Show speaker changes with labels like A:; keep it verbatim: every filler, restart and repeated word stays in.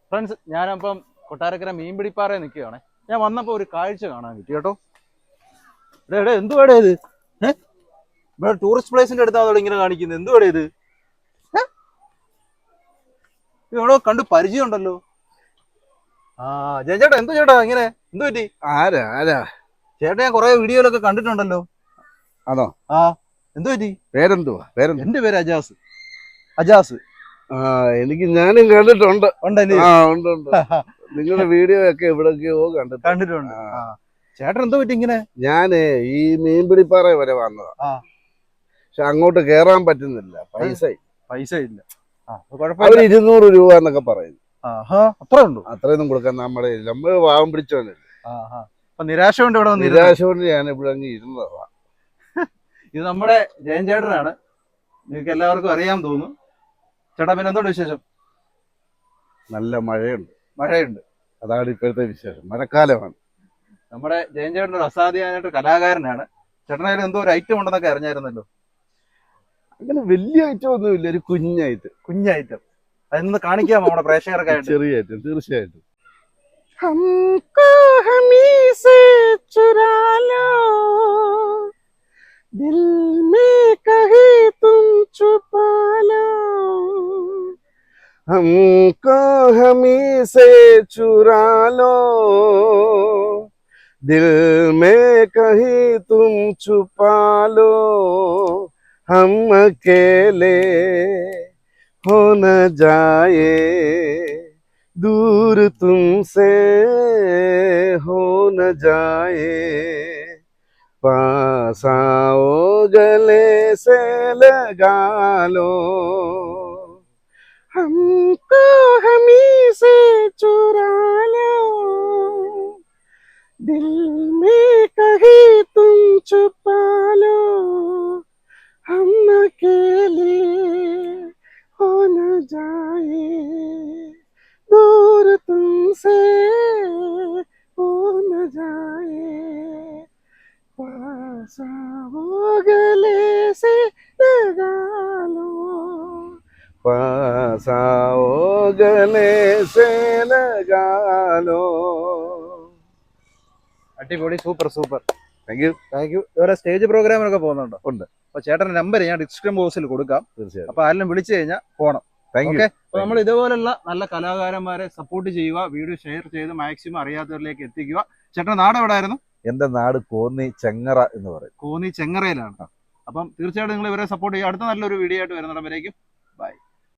A: Friends, ഞാനപ്പം കൊട്ടാരക്കര മീൻപിടിപ്പാറ നിൽക്കുകയാണ്. ഞാൻ വന്നപ്പോൾ ഒരു കാഴ്ച കാണാൻ പറ്റി കേട്ടോ. എടേ എടേ എന്തുവാടേ ഇത്? ഏഹ് ഇവിടെ ടൂറിസ്റ്റ് പ്ലേസിന്റെ അടുത്താണ് ഇങ്ങനെ കാണിക്കുന്നത്. എന്തുവാടേ ഇത്? എവിടോ കണ്ട് പരിചയം ഉണ്ടല്ലോ. ആ ജയൻ ചേട്ടാ, എന്തു ചേട്ടാ ഇങ്ങനെ എന്തു പറ്റി?
B: ആരാ ആരാ
A: ചേട്ടാ ഞാൻ കുറെ വീഡിയോയിലൊക്കെ കണ്ടിട്ടുണ്ടല്ലോ.
B: ആണോ?
A: ആ എന്തു പറ്റി?
B: പേരെന്തുവാ? പേരെന്തു?
A: എന്റെ പേര് അജാസ്. അജാസ്.
B: ആ എനിക്ക് ഞാനും കണ്ടിട്ടുണ്ട്.
A: ഉണ്ടല്ലേ?
B: ആ ഉണ്ട് ഉണ്ട്. നിങ്ങളുടെ വീഡിയോ ഒക്കെ എവിടെയൊക്കെയോ കണ്ടിട്ടുണ്ട്
A: കണ്ടിട്ടുണ്ട്. ആ ചേട്ടൻ എന്തോ പറ്റി ഇങ്ങനെ?
B: ഞാന് ഈ മീൻപിടിപ്പാറ വരെ വന്നതാ.
A: ആ
B: പക്ഷെ അങ്ങോട്ട് കേറാൻ പറ്റുന്നില്ല. പൈസ
A: പൈസ ഇല്ല.
B: അവര് ഇരുന്നൂറ് രൂപ എന്നൊക്കെ പറയുന്നു.
A: അത്ര ഉണ്ടോ?
B: അത്രയൊന്നും കൊടുക്കാൻ നമ്മുടെ നമ്മള് പാവം പിടിച്ചോണ്ടല്ലേ.
A: അപ്പൊ നിരാശ കൊണ്ട് ഇവിടെ വന്ന്
B: നിരാശ കൊണ്ട് ഞാൻ ഇവിടെ അങ്ങ് ഇരുന്നതാ.
A: ഇത് നമ്മുടെ ജയൻ ചേട്ടനാണ്. നിങ്ങൾക്ക് എല്ലാവർക്കും അറിയാൻ തോന്നുന്നു. ചേട്ടാ പിന്നെ എന്തുകൊണ്ട് വിശേഷം?
B: നല്ല മഴയുണ്ട്.
A: മഴയുണ്ട്.
B: അതാണ് ഇപ്പോഴത്തെ വിശേഷം. മഴക്കാലമാണ്.
A: നമ്മുടെ ജയൻ ചേട്ടൻ ഒരു അസാധ്യമായിട്ട് കലാകാരനാണ്. ചേട്ടനായാലും എന്തോ ഒരു ഐറ്റം ഉണ്ടെന്നൊക്കെ അറിഞ്ഞായിരുന്നല്ലോ.
B: അങ്ങനെ വലിയ ഐറ്റം ഒന്നുമില്ല, ഒരു കുഞ്ഞൈറ്റം.
A: കുഞ്ഞൈറ്റം അതൊന്ന് കാണിക്കാമോ നമ്മുടെ പ്രേക്ഷകർക്ക്?
B: ചെറിയ ഐറ്റം തീർച്ചയായിട്ടും.
A: हमको हमी से चुरा लो, दिल में कहीं तुम छुपा लो,
B: हमको हमी से चुरा लो, दिल में कहीं तुम छुपा लो, हम अकेले हो न जाए, दूर तुमसे हो न जाए, पास आओ गले से लगा लो,
A: हमको हमी से चुरा लो, दिल में कहीं तुम छुपा लो, हम अकेले हो न जाए, दूर तुमसे हो न जाए, पास आओ गले से लगा लो,
B: पास आओ गले से लगा लो.
A: അടിപൊളി, super super.
B: Thank you
A: thank you. വേറെ സ്റ്റേജ് പ്രോഗ്രാമിനൊക്കെ പോകുന്നുണ്ടോ?
B: ഉണ്ട്.
A: അപ്പൊ ചേട്ടന്റെ നമ്പർ ഞാൻ ഡിസ്ക്രിപ്ഷൻ ബോക്സിൽ കൊടുക്കാം.
B: തീർച്ചയായും.
A: അപ്പൊ ആരെങ്കിലും വിളിച്ചു കഴിഞ്ഞാൽ പോണം.
B: Thank you.
A: ഓക്കെ. അപ്പൊ നമ്മൾ ഇതുപോലുള്ള നല്ല കലാകാരന്മാരെ സപ്പോർട്ട് ചെയ്യുക, വീഡിയോ ഷെയർ ചെയ്ത് മാക്സിമം അറിയാത്തവരിലേക്ക് എത്തിക്കുക. ചേട്ടന്റെ നാട് എവിടെയായിരുന്നു?
B: എന്റെ നാട് കോന്നി ചെങ്ങറ എന്ന് പറയും.
A: കോന്നി ചെങ്ങറയിലാണ്. അപ്പം തീർച്ചയായിട്ടും നിങ്ങൾ ഇവരെ സപ്പോർട്ട് ചെയ്യുക. അടുത്ത നല്ലൊരു വീഡിയോ ആയിട്ട് വരുന്നിടം വരേക്കും ബൈ.